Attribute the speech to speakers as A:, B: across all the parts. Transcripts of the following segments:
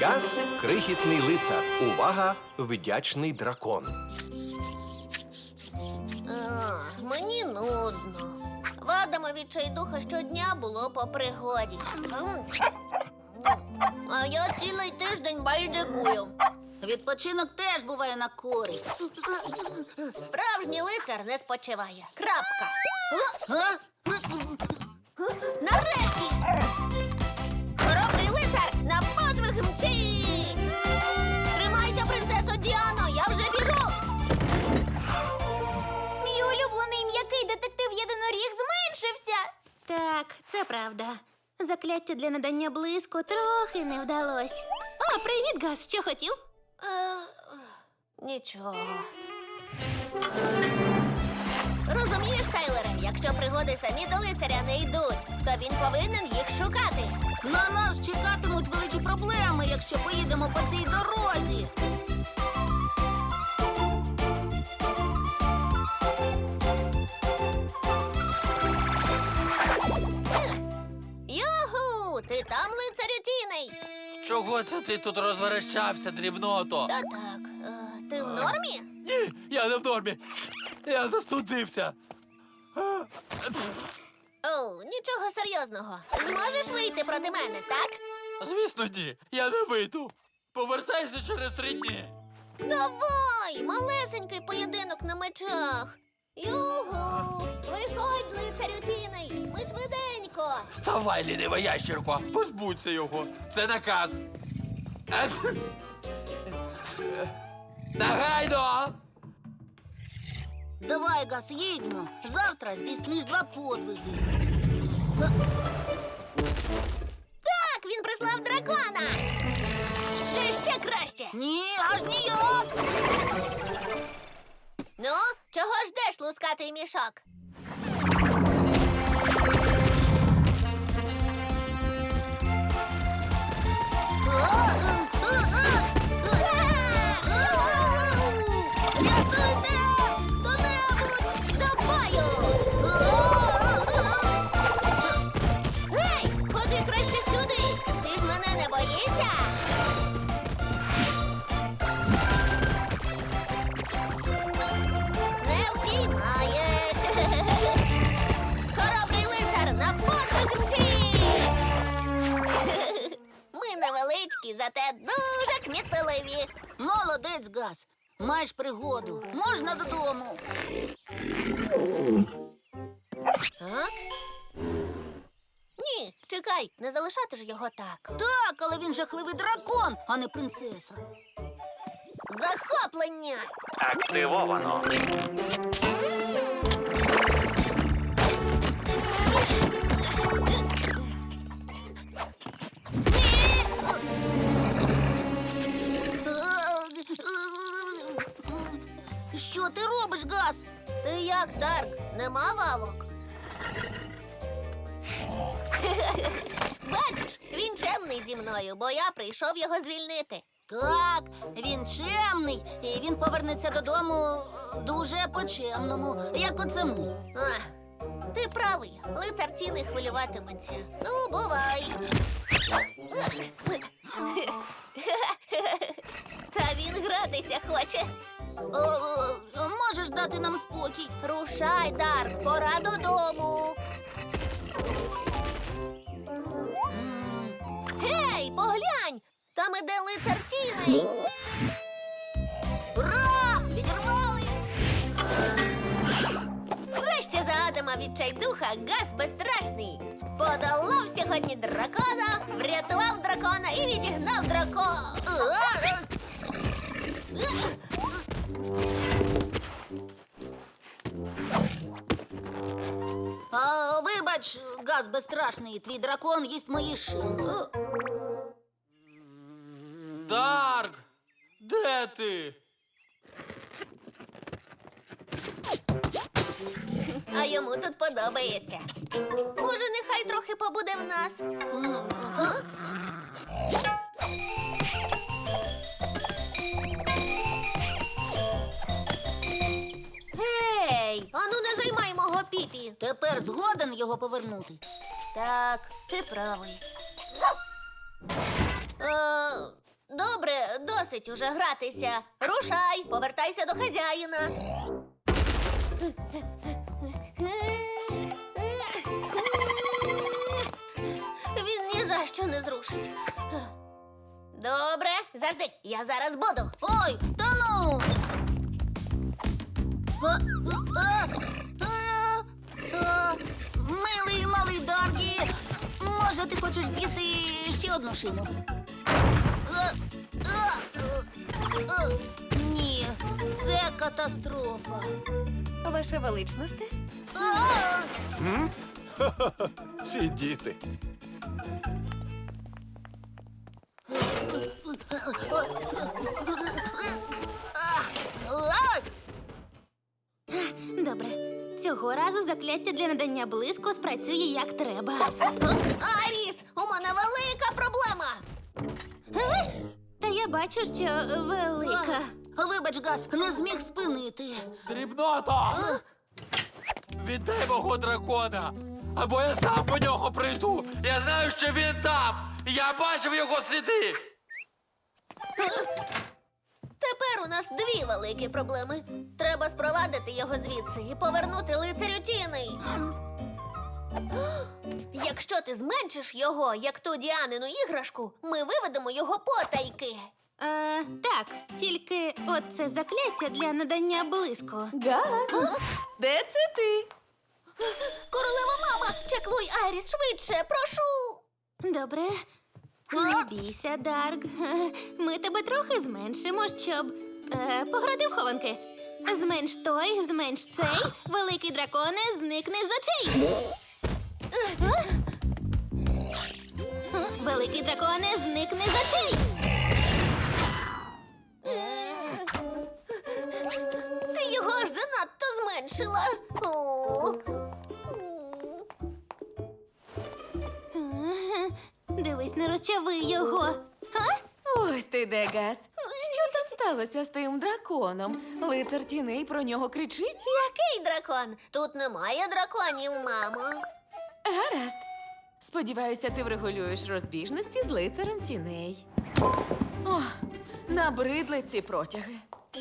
A: Газ – крихітний лицар. Увага! Вдячний дракон.
B: Мені нудно. В Адама відчайдуха щодня було по пригоді. А я цілий тиждень байдикую.
C: Відпочинок теж буває на користь.
B: Справжній лицар не спочиває. Крапка. Нарешті! Хоробрий лицар на подвиг мчить! Тримайся, принцесо Діано, я вже біжу!
D: Мій улюблений м'який детектив-єдиноріг зменшився.
E: Так, це правда. Закляття для надання блиску трохи не вдалось. О, привіт, Газ, що хотів?
B: Нічого. Розумієш, Тайлере, якщо пригоди самі до лицаря не йдуть, то він повинен їх шукати.
C: На нас чекатимуть великі проблеми, якщо поїдемо по цій дорозі.
B: Юху! Ти там, лицарю тіний?
F: Чого це ти тут розверещався, дрібното?
B: Та так. Ти в нормі?
F: Ні, я не в нормі. Я застудився.
B: О, нічого серйозного. Зможеш вийти проти мене, так?
F: Звісно, ні. Я не вийду. Повертайся через 3 дні.
B: Давай, малесенький поєдинок на мечах. Югу! Виходь, лицарю тіний! Ми швиденько!
F: Вставай, лінива ящірко. Позбудься його. Це наказ. Негайно!
C: Давай, Газ, їдьмо. Завтра здійсниш 2 подвиги.
B: Так, він прислав дракона! Це ще краще!
C: Ні, аж ніяк.
B: Ну, чого ждеш, лускатий мішок?
C: Рятуйте! Хто-небудь!
B: За тобою! Гей, ходи краще сюди! Ти ж мене не боїшся? Не впіймаєш! Хоробрий лицар на подвиг мчить! Ми невеличкі, зате дуже кмітливі.
C: Молодець, Газ. Маєш пригоду. Можна додому.
B: А? Ні, чекай, не залишати ж його так.
C: Так, але він жахливий дракон, а не принцеса.
B: Захоплення!
A: Активовано.
C: Що ти робиш, Газ?
B: Ти як, Дарк? Нема вавок? Бачиш, він чемний зі мною, бо я прийшов його звільнити.
C: Так, він чемний, і він повернеться додому дуже по-чемному, як оце ми.
B: А, ти правий, лицар тіни хвилюватиметься. Ну, бувай. Та він гратися хоче.
C: Можеш дати нам спокій?
B: Рушай, Дарк, пора додому. Гей, поглянь! Там іде лицар тіней.
C: Ура! Відірвались!
B: Краще за Адама відчайдуха Газ безстрашний. Подолав сьогодні дракона, врятував дракона і відігнав дракона.
C: Вибач, Газ безстрашний, твій дракон їсть мої шини.
F: Дарк! Де ти?
B: А йому тут подобається. Може, нехай трохи побуде в нас. Гей, ану не займай мого піпі.
C: Тепер згоден його повернути.
B: Так, ти правий. Добре, досить уже гратися. Рушай, повертайся до хазяїна. Він ні за що не зрушить. Добре, завжди, я зараз буду.
C: Ой, та ну! Милий малий Даркі, може, ти хочеш з'їсти ще одну шину? Ні, це катастрофа.
E: Ваша величність?
A: Ці діти.
E: Добре. Цього разу закляття для надання блиску спрацює як треба.
B: Аріс, у мене велика проблема.
E: Та я бачу, що велика.
C: Вибач, Газ, не зміг спинити.
F: Дрібнота! Віддай мого дракона! Або я сам по нього прийду! Я знаю, що він там! Я бачив його сліди!
B: Тепер у нас дві великі проблеми. Треба спровадити його звідси і повернути лицарю Тіни. Якщо ти зменшиш його, як ту Діанину іграшку, ми виведемо його потайки.
E: Так, тільки от це закляття для надання блиску.
G: Газ, де це ти?
B: Королева мама, чеклуй Айріс швидше, прошу.
E: Добре. Не бійся, Дарк. Ми тебе трохи зменшимо, щоб пограти в хованки. Зменш той, зменш цей, великий драконе, зникне з очей. Великий драконе, зникне з очей.
B: Ти його аж занадто зменшила. О.
E: Дивись, не розчави його.
G: Ось ти де, Газ. Що там сталося з тим драконом? Лицар тіней про нього кричить?
B: Який дракон? Тут немає драконів, мамо.
G: Гаразд. Сподіваюся, ти врегулюєш розбіжності з лицарем тіней. О, набридли ці протяги.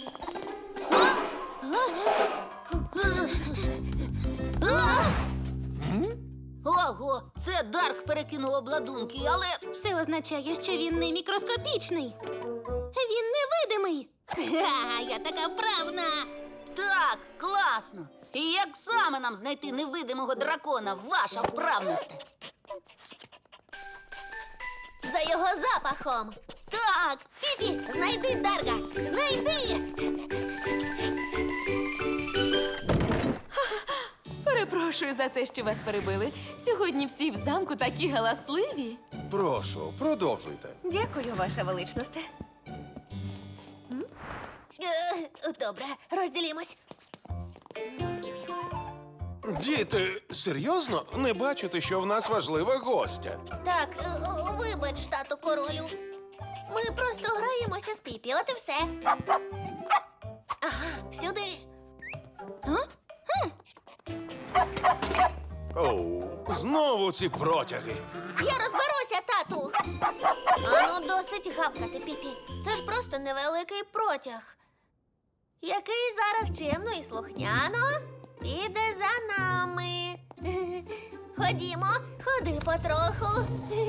C: Ого, це Дарк перекинув обладунки, але
E: Це означає, що він не мікроскопічний. Він невидимий. Ха, я така вправна.
C: так, класно. І як саме нам знайти невидимого дракона, ваша вправність?
B: За його запахом.
C: Так,
B: Піпі, знайди Дарга! Знайди!
G: Перепрошую за те, що вас перебили. Сьогодні всі в замку такі галасливі.
A: Прошу, продовжуйте.
E: Дякую, ваша величність.
B: Добре, розділімось.
A: Діти, серйозно? Не бачите, що в нас важлива гостя?
B: Так, вибач, тату королю. Ми просто граємося з Піпі, от і все. Ага, сюди.
A: Оу, знову ці протяги.
B: Я розберуся, тату. Ану, досить гавкати, Піпі. Це ж просто невеликий протяг. Який зараз чемно і слухняно піде за нами. Ходімо, ходи потроху.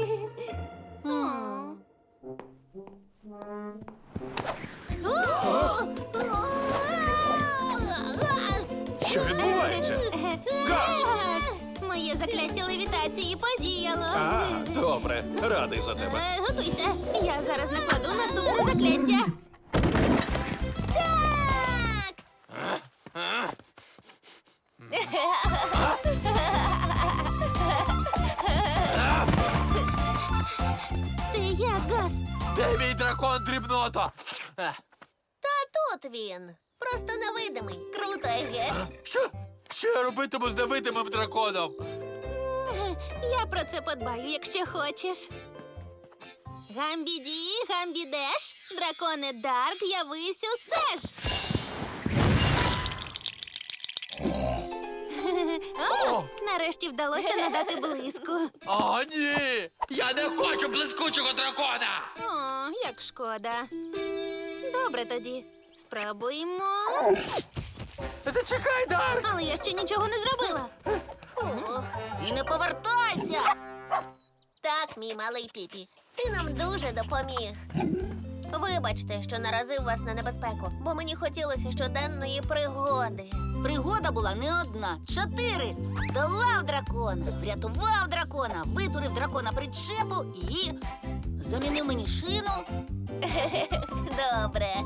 A: Що відбувається? Газ!
E: Моє закляття левітації подіяло.
A: А, добре, радий за тебе.
E: Готуйся. Я зараз накладу наступне закляття.
B: Так!
E: Ти як, Газ?
F: Де мій дракон, дрібнота?
B: Та тут він. Просто невидимий. Круто, еге ж?
F: Що? Що я робитиму з невидимим драконом?
E: Я про це подбаю, якщо хочеш. Гамбіді, гамбідеш, драконе Дарк, явись усе ж. О, нарешті вдалося надати блиску.
F: О, ні! Я не хочу блискучого дракона!
E: О, як шкода. Добре тоді. Спробуємо.
F: Зачекай, Дарк!
E: Але я ще нічого не зробила.
C: І не повертайся!
B: Так, мій малий Піпі, ти нам дуже допоміг. Вибачте, що наразив вас на небезпеку, бо мені хотілося щоденної пригоди.
C: Пригода була не одна, 4. Здолав дракона, врятував дракона, витурив дракона причепу і замінив мені шину.
B: Добре.